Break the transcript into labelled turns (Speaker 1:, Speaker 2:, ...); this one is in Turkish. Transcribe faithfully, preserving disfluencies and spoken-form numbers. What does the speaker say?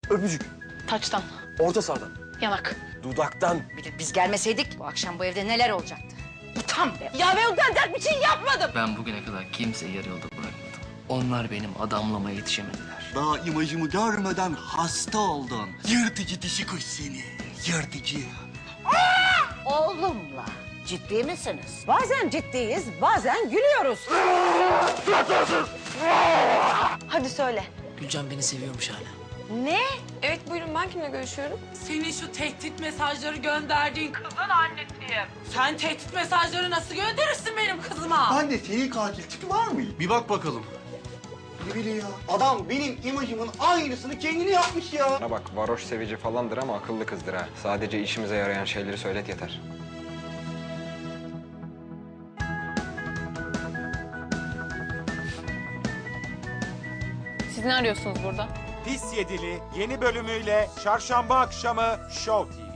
Speaker 1: Öpücük.
Speaker 2: Taçtan,
Speaker 1: Orta sardan.
Speaker 2: yanak.
Speaker 1: Dudaktan.
Speaker 3: Bir de biz gelmeseydik bu akşam bu evde neler olacaktı? Utan be.
Speaker 2: Ya ben utanacak bir şey yapmadım.
Speaker 4: Ben bugüne kadar kimseyi yarı yolda bırakmadım. Onlar benim adamlama yetişemediler.
Speaker 5: Daha imajımı görmeden hasta oldun. Yırtıcı dişi kuş seni. Yırtıcı.
Speaker 3: Oğlumla ciddi misiniz?
Speaker 6: Bazen ciddiyiz, bazen gülüyoruz.
Speaker 2: Hadi söyle.
Speaker 4: Gülcan beni seviyormuş hala.
Speaker 6: Ne?
Speaker 7: Evet buyurun ben kimle görüşüyorum?
Speaker 8: Senin şu tehdit mesajları gönderdiğin kızın annesiyim. Sen tehdit mesajları nasıl gönderirsin benim kızıma?
Speaker 5: Anne senin katil tipi var mı?
Speaker 1: Bir bak bakalım.
Speaker 5: Ne bileyim ya. Adam benim imajımın aynısını kendini yapmış ya.
Speaker 9: Bana bak, varoş sevici falandır ama akıllı kızdır ha. Sadece işimize yarayan şeyleri söylet yeter.
Speaker 2: Siz ne arıyorsunuz burada?
Speaker 10: Pis Yedili yeni bölümüyle çarşamba akşamı Show T V'de.